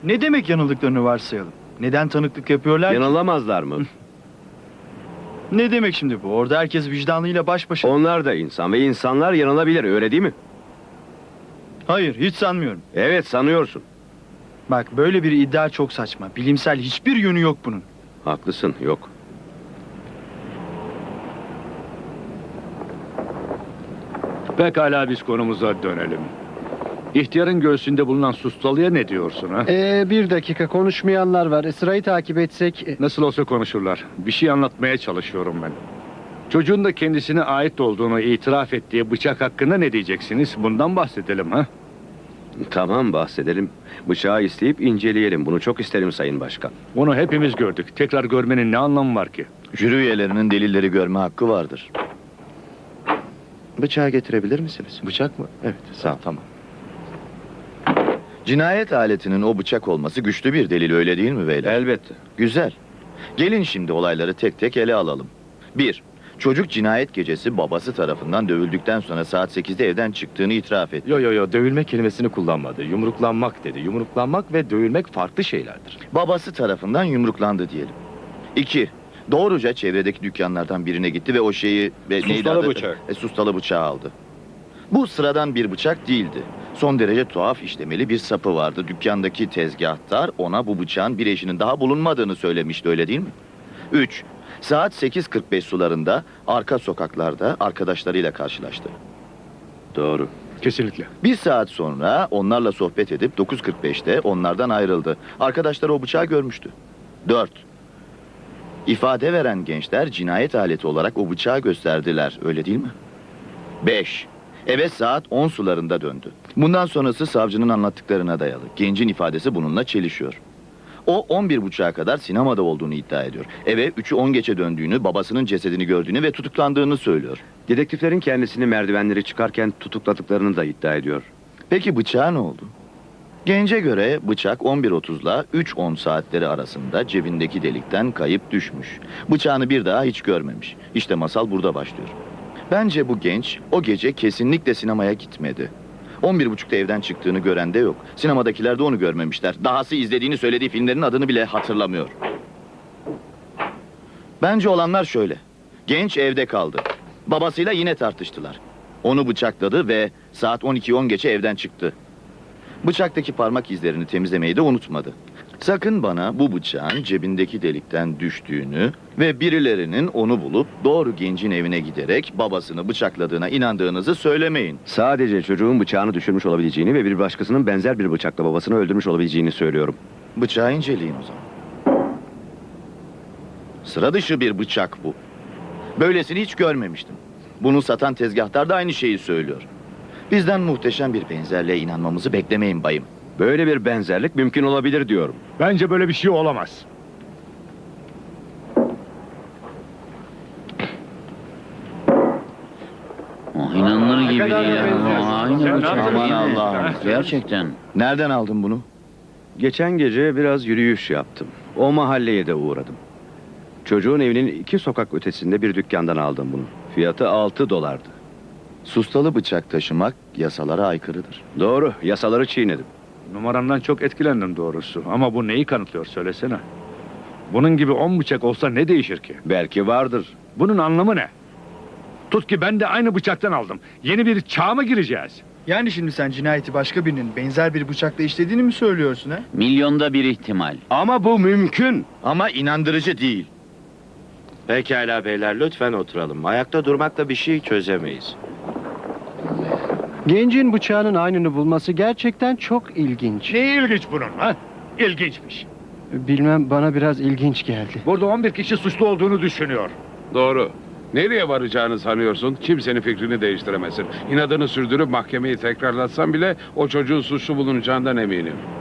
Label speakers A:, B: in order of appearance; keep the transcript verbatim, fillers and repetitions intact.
A: Ne demek yanıldıklarını varsayalım? Neden tanıklık yapıyorlar ki?
B: Yanılamazlar mı?
A: Ne demek şimdi bu? Orada herkes vicdanıyla baş başa.
B: Onlar da insan ve insanlar yanılabilir, öyle değil mi?
A: Hayır, hiç sanmıyorum.
B: Evet, sanıyorsun.
A: Bak, böyle bir iddia çok saçma. Bilimsel hiçbir yönü yok bunun.
B: Haklısın, yok.
C: Pekala, biz konumuza dönelim. İhtiyarın göğsünde bulunan sustalıya ne diyorsun ha?
D: Ee, bir dakika, konuşmayanlar var. E, Sırayı takip etsek... e,
C: Nasıl olsa konuşurlar. Bir şey anlatmaya çalışıyorum ben. Çocuğun da kendisine ait olduğunu itiraf ettiği bıçak hakkında ne diyeceksiniz? Bundan bahsedelim ha?
B: Tamam, bahsedelim. Bıçağı isteyip inceleyelim. Bunu çok isterim Sayın Başkan.
C: Onu hepimiz gördük. Tekrar görmenin ne anlamı var ki?
E: Jüri üyelerinin delilleri görme hakkı vardır. Bıçağı getirebilir misiniz? Bıçak mı? Evet, sağ ol, tamam. Cinayet aletinin o bıçak olması güçlü bir delil, öyle değil mi beyler?
B: Elbette.
E: Güzel. Gelin şimdi olayları tek tek ele alalım. Bir, çocuk cinayet gecesi babası tarafından dövüldükten sonra saat sekizde evden çıktığını itiraf etti.
F: Yo yo yo, dövülme kelimesini kullanmadı. Yumruklanmak dedi. Yumruklanmak ve dövülmek farklı şeylerdir.
E: Babası tarafından yumruklandı diyelim. İki, doğruca çevredeki dükkanlardan birine gitti ve o şeyi... Ve neydi
B: Sustalı
E: adı?
B: bıçak.
E: E, sustalı bıçağı aldı. Bu sıradan bir bıçak değildi. Son derece tuhaf işlemeli bir sapı vardı. Dükkandaki tezgahtar ona bu bıçağın bir eşinin daha bulunmadığını söylemişti, öyle değil mi? Üç, saat sekiz kırk beş sularında arka sokaklarda arkadaşlarıyla karşılaştı.
B: Doğru.
C: Kesinlikle.
E: Bir saat sonra onlarla sohbet edip dokuz kırk beşte onlardan ayrıldı. Arkadaşları o bıçağı görmüştü. Dört, ifade veren gençler cinayet aleti olarak o bıçağı gösterdiler, öyle değil mi? Beş, eve saat on sularında döndü. Bundan sonrası savcının anlattıklarına dayalı. Gencin ifadesi bununla çelişiyor. O on bir buçuğa kadar sinemada olduğunu iddia ediyor. Eve üçü on geçe döndüğünü, babasının cesedini gördüğünü ve tutuklandığını söylüyor.
B: Dedektiflerin kendisini merdivenleri çıkarken tutukladıklarını da iddia ediyor.
E: Peki bıçağa ne oldu? Gence göre bıçak on bir otuzla üç on saatleri arasında cebindeki delikten kayıp düşmüş. Bıçağını bir daha hiç görmemiş. İşte masal burada başlıyor. Bence bu genç o gece kesinlikle sinemaya gitmedi. on bir buçukta evden çıktığını gören de yok. Sinemadakiler de onu görmemişler. Dahası izlediğini söylediği filmlerin adını bile hatırlamıyor. Bence olanlar şöyle. Genç evde kaldı. Babasıyla yine tartıştılar. Onu bıçakladı ve saat on ikiyi on geçe evden çıktı. Bıçaktaki parmak izlerini temizlemeyi de unutmadı. Sakın bana bu bıçağın cebindeki delikten düştüğünü ve birilerinin onu bulup doğru gencin evine giderek babasını bıçakladığına inandığınızı söylemeyin.
B: Sadece çocuğun bıçağını düşürmüş olabileceğini ve bir başkasının benzer bir bıçakla babasını öldürmüş olabileceğini söylüyorum.
E: Bıçağı inceleyin o zaman. Sıra dışı bir bıçak bu. Böylesini hiç görmemiştim. Bunu satan tezgahtar da aynı şeyi söylüyor. Bizden muhteşem bir benzerliğe inanmamızı beklemeyin bayım.
B: Böyle bir benzerlik mümkün olabilir diyorum.
C: Bence böyle bir şey olamaz.
G: Oh, inanılır gibi
C: kadar
G: değil ya.
C: benziyorsun.
G: Oh, aynı
C: Sen
G: bıçak.
C: ne
G: Aman
C: yapıyorsun?
G: Allah'ım. Gerçekten.
E: Nereden aldın bunu?
B: Geçen gece biraz yürüyüş yaptım. O mahalleye de uğradım. Çocuğun evinin iki sokak ötesinde bir dükkandan aldım bunu. Fiyatı altı dolardı.
E: Sustalı bıçak taşımak yasalara aykırıdır.
B: Doğru, yasaları çiğnedim.
C: Numaramdan çok etkilendim doğrusu. Ama bu neyi kanıtlıyor söylesene. Bunun gibi on bıçak olsa ne değişir ki?
B: Belki vardır.
C: Bunun anlamı ne? Tut ki ben de aynı bıçaktan aldım. Yeni bir çağa mı gireceğiz?
A: Yani şimdi sen cinayeti başka birinin benzer bir bıçakla işlediğini mi söylüyorsun ha?
G: Milyonda bir ihtimal.
B: Ama bu mümkün.
E: Ama inandırıcı değil.
H: Pekala beyler, lütfen oturalım. Ayakta durmakla bir şey çözemeyiz.
D: Gencin bıçağının aynını bulması gerçekten çok ilginç.
C: Ne ilginç bunun ha? İlginçmiş.
D: Bilmem, bana biraz ilginç geldi.
C: Burada on bir kişi suçlu olduğunu düşünüyor.
I: Doğru. Nereye varacağını sanıyorsun? Kimsenin fikrini değiştiremezsin. İnadını sürdürüp mahkemeyi tekrarlatsan bile o çocuğun suçlu bulunacağından eminim.